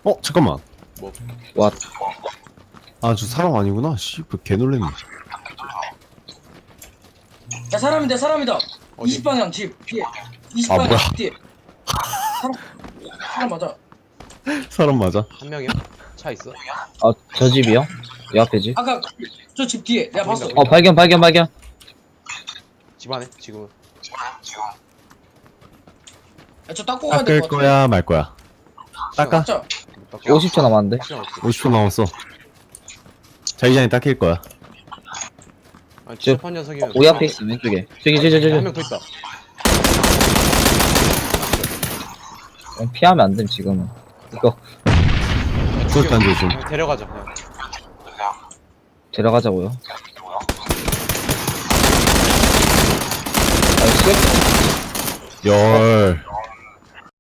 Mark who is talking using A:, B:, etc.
A: 잠깐만.
B: 뭐?
C: 와,
A: 아, 저 사람 아니구나. 씨발, 개 놀랬네.
D: 야 사람이다.
B: 어디?
D: 20방향 집 뒤에.
A: 아,
D: 20방향
A: 뭐야.
D: 집 뒤에. 사람 맞아.
A: 사람 맞아.
B: 한 명이야? 차 있어?
C: 아, 저 집이요? 이 앞에 집?
D: 아까 저 집 뒤에 내가 봤어.
B: 보인다,
C: 발견.
B: 집 안에? 지금은?
D: 야, 저 닦고 가야 될
A: 닦을
D: 것 같아.
A: 거야, 말 거야. 닦아?
D: 진짜.
C: 50초 남았는데?
B: 시간 없어.
A: 50초 남았어. 자기 전에 닦일 거야.
B: 아니 취업한 녀석이면
C: 우리 앞에 있어, 왼쪽에. 저기.
B: 한 명 더 있다.
C: 피하면 안 됨, 지금은. 이거,
A: 그것도 안 조심.
B: 그냥 데려가자 그냥.
C: 데려가자고요. 아, 시간
A: 열.